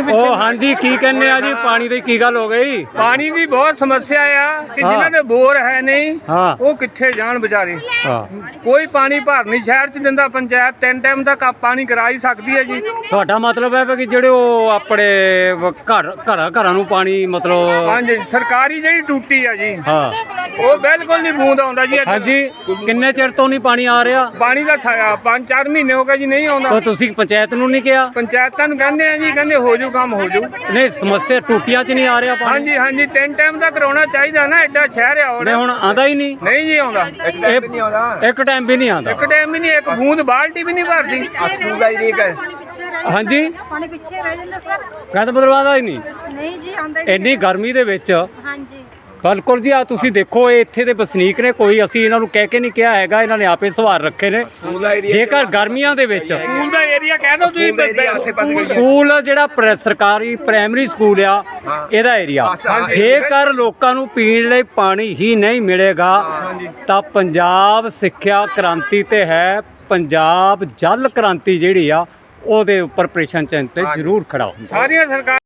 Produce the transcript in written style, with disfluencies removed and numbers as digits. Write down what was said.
ਉਹ ਹਾਂਜੀ ਕੀ ਕਹਿੰਦੇ ਆ ਜੀ ਪਾਣੀ ਦੀ ਕੀ ਗੱਲ ਹੋ ਗਈ? ਪਾਣੀ ਦੀ ਬਹੁਤ ਸਮੱਸਿਆ ਆ ਕਿ ਜਿਨ੍ਹਾਂ ਦੇ ਬੋਰ ਹੈ ਨਹੀਂ ਹਾਂ ਉਹ ਕਿੱਥੇ ਜਾਣ ਵਿਚਾਰੇ। ਹਾਂ ਕੋਈ ਪਾਣੀ ਭਰ ਨਹੀਂ ਸ਼ਹਿਰ ਚ ਦਿੰਦਾ। ਪੰਚਾਇਤ 3 ਟਾਈਮ ਤੱਕ ਪਾਣੀ ਕਰਾ ਹੀ ਸਕਦੀ ਹੈ ਜੀ। ਤੁਹਾਡਾ ਮਤਲਬ ਹੈ ਕਿ ਜਿਹੜੇ ਉਹ ਆਪਣੇ ਘਰਾਂ ਨੂੰ ਪਾਣੀ ਮਤਲਬ ਹਾਂਜੀ ਸਰਕਾਰੀ ਜਿਹੜੀ ਟੂਟੀ ਆ ਜੀ ਹਾਂ ਉਹ ਬਿਲਕੁਲ ਨਹੀਂ ਬੂੰਦ ਆਉਂਦਾ ਜੀ ਇੱਥੇ। ਹਾਂਜੀ ਕਿੰਨੇ ਚਿਰ ਤੋਂ ਨਹੀਂ ਪਾਣੀ ਆ ਰਿਹਾ? ਪਾਣੀ ਦਾ 5-4 ਮਹੀਨੇ ਹੋ ਗਏ ਜੀ ਨਹੀਂ ਆਉਂਦਾ। ਤਾਂ ਤੁਸੀਂ ਪੰਚਾਇਤ ਨੂੰ ਨਹੀਂ ਕਿਹਾ? ਪੰਚਾਇਤਾਂ ਨੂੰ ਕਹਿੰਦੇ ਆ ਜੀ, ਕਹਿੰਦੇ ਹੋ ਜੂ ਕੰਮ ਹੋ ਜੂ। ਨਹੀਂ ਸਮੱਸਿਆ ਟੂਟੀਆਂ 'ਚ ਨਹੀਂ ਆ ਰਿਹਾ ਪਾਣੀ? ਹਾਂਜੀ ਹਾਂਜੀ 3 ਟਾਈਮ ਦਾ ਕਰਾਉਣਾ ਚਾਹੀਦਾ ਨਾ, ਐਡਾ ਸ਼ਹਿਰ ਆ ਨਹੀਂ ਹੁਣ ਆਂਦਾ ਹੀ ਨਹੀਂ? ਨਹੀਂ ਜੀ ਆਉਂਦਾ। ਇੱਕ ਟਾਈਮ ਵੀ ਨਹੀਂ ਆਂਦਾ? ਇੱਕ ਟਾਈਮ ਵੀ ਨਹੀਂ, ਇੱਕ ਬੂੰਦ ਬਾਲਟੀ ਵੀ ਨਹੀਂ ਭਰਦੀ। ਸਕੂਲ ਦਾ ਹੀ ਨਹੀਂ ਕਰ ਹਾਂਜੀ ਪਾਣੀ ਪਿੱਛੇ ਰਹਿ ਜਾਂਦਾ ਸਰ। ਕਹਿੰਦਾ ਮਤਲਬ ਆਂਦਾ ਹੀ ਨਹੀਂ? ਨਹੀਂ ਜੀ ਆਉਂਦਾ ਹੀ ਇੰਨੀ ਗਰਮੀ ਦੇ ਵਿੱਚ। ਹਾਂਜੀ ਬਿਲਕੁਲ ਜੀ ਆ ਤੁਸੀਂ ਦੇਖੋ ਇਹ ਇੱਥੇ ਦੇ ਵਸਨੀਕ ਨੇ, ਕੋਈ ਅਸੀਂ ਇਹਨਾਂ ਨੂੰ ਕਹਿ ਕੇ ਨਹੀਂ ਕਿਹਾ ਹੈਗਾ, ਇਹਨਾਂ ਨੇ ਆਪੇ ਸਵਾਰ ਰੱਖੇ ਨੇ। ਜੇਕਰ ਗਰਮੀਆਂ ਦੇ ਵਿੱਚ ਸਕੂਲ ਦਾ ਏਰੀਆ ਕਹਿ ਦੋ ਤੁਸੀਂ। ਸਕੂਲ ਜਿਹੜਾ ਸਰਕਾਰੀ ਪ੍ਰਾਇਮਰੀ ਸਕੂਲ ਆ ਇਹਦਾ ਏਰੀਆ, ਜੇਕਰ ਲੋਕਾਂ ਨੂੰ ਪੀਣ ਲਈ ਪਾਣੀ ਹੀ ਨਹੀਂ ਮਿਲੇਗਾ ਤਾਂ ਪੰਜਾਬ ਸਿੱਖਿਆ ਕ੍ਰਾਂਤੀ ਤੇ ਹੈ, ਪੰਜਾਬ ਜਲ ਕ੍ਰਾਂਤੀ ਜਿਹੜੀ ਆ ਉਹਦੇ ਉੱਪਰ ਪ੍ਰਸ਼ਨ ਚਿੰਨ੍ਹ ਤੇ ਜ਼ਰੂਰ ਖੜਾ ਹੁੰਦਾ। ਸਾਰੀਆਂ ਸਰਕਾਰਾਂ